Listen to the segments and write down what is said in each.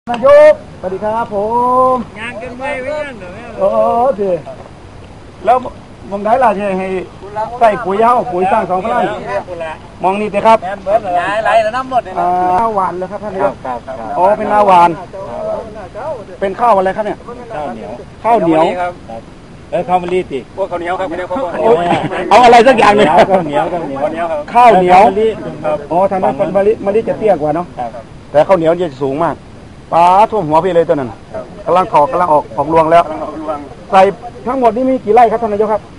นายกสวัสดีครับผมงานกันไม่ยังเหรอโอ้ดีแล้วมองได้ล่ะให้ใส่ปุ๋ยเย้าปุ๋ยสร้างสองพลังมองนี่สิครับไหลแล้วน้ำหมดเลยนะข้าวหวานเลยครับท่านนายกอ๋อเป็นนาหวานเป็นข้าวอะไรครับเนี่ยข้าวเหนียวข้าวมะลิติพวกข้าวเหนียวครับเอาอะไรสักอย่างหนึ่งข้าวเหนียวข้าวเหนียวอ๋อทางนั้นมะลิจะเตี้ยกว่าเนาะแต่ข้าวเหนียวจะสูงมากปลาท่วมหัวพี่เลยตัวนั้นกำลังถอกกำลังออกรวงแล้วใส่ทั้งหมดนี่มีกี่ไร่ครับท่านนายกครับ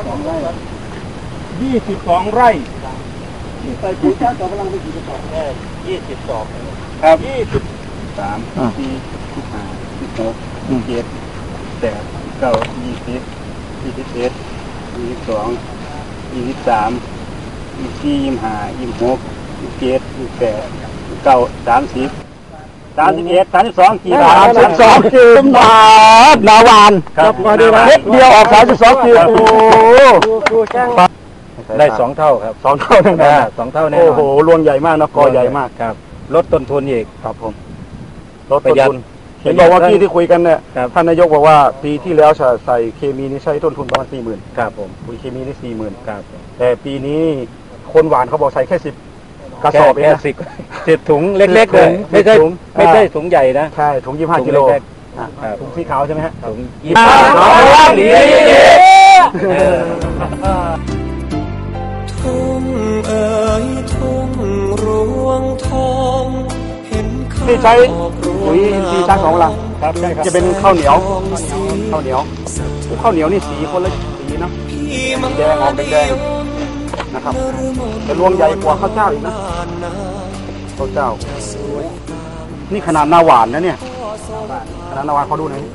22 ไร่ใส่ปุ๋ยช้างสองพลังไปกี่กระสอบ 22ครับ23 24 25 26 27 8 9 20 21 22 23 24 25 26 27 28 29 30 31 32กิโล 32กิโลบาทนาหวานครับเม็ดเดียวออก32กิโลโอ้ได้2 เท่าครับ 2 เท่าแน่นอน 2 เท่าแน่นอนโอ้โหรวงใหญ่มากนะกอใหญ่มากครับลดต้นทุนอีกครับผมลดต้นทุนเห็นบอกว่าที่คุยกันเนี่ยท่านนายกบอกว่าปีที่แล้วใส่เคมีนี่ใช้ต้นทุนประมาณ 40,000 ครับผมปุ๋ยเคมีนี่ 40,000 ครับแต่ปีนี้คนหวานเขาบอกใส่แค่10กระสอบเอง 10 ถุงเล็กๆเลยไม่ใช่ถุงใหญ่นะใช่ถุง25 กิโลถุงสีขาวใช่ไหมฮะถุงทุ่งเอ๋ยทุ่งรวงทองเห็นที่ใช้ปุ๋ยอินทรีย์ช้างสองพลังครับใช่ครับจะเป็นข้าวเหนียวข้าวเหนียวนี่สีคนละสีนะแดงออกแดงนะครับแต่รวงใหญ่กว่าข้าวเจ้าอีกนะข้าวเจ้านี่ขนาดนาหวานนะเนี่ยขนาดนาหวานเขาดูหน่อย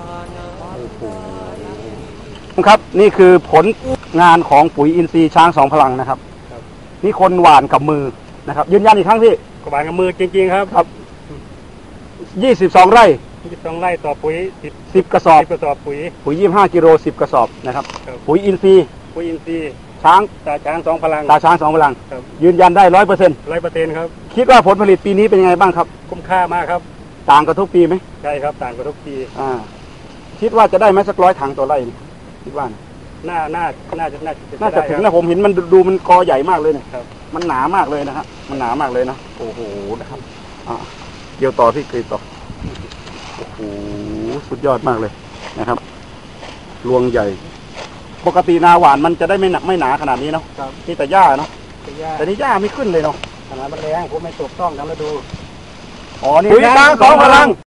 ครับนี่คือผลงานของปุ๋ยอินทรีย์ช้างสองพลังนะครับนี่คนหวานกับมือนะครับยืนยันอีกครั้งพี่หวานกับมือจริงๆครับ 22 ไร่ 22 ไร่ต่อปุ๋ย 10 กระสอบปุ๋ย 25 กิโล10 กระสอบนะครับปุ๋ยอินทรีย์ช้างตาช้าง2 พลังยืนยันได้ 100% 100%ครับคิดว่าผลผลิตปีนี้เป็นยังไงบ้างครับคุ้มค่ามากครับต่างกับทุกปีไหมใช่ครับต่างกับทุกปีคิดว่าจะได้ไหมสัก100 ถังต่อไร่คิดว่าน่าจะถึงนะผมเห็นมันดูมันกอใหญ่มากเลยเนี่ยมันหนามากเลยนะฮะมันหนามากเลยนะโอ้โหนะครับเกี่ยวต่อที่เคยต่อโอ้โหสุดยอดมากเลยนะครับรวงใหญ่ปกตินาหวานมันจะได้ไม่หนาขนาดนี้เนาะนี่แต่หญ้าเนาะแต่นี่หญ้าไม่ขึ้นเลยเนาะขนาดมันแรงผมไม่ถูกต้องนะมาดูนี่ช้างสองพลัง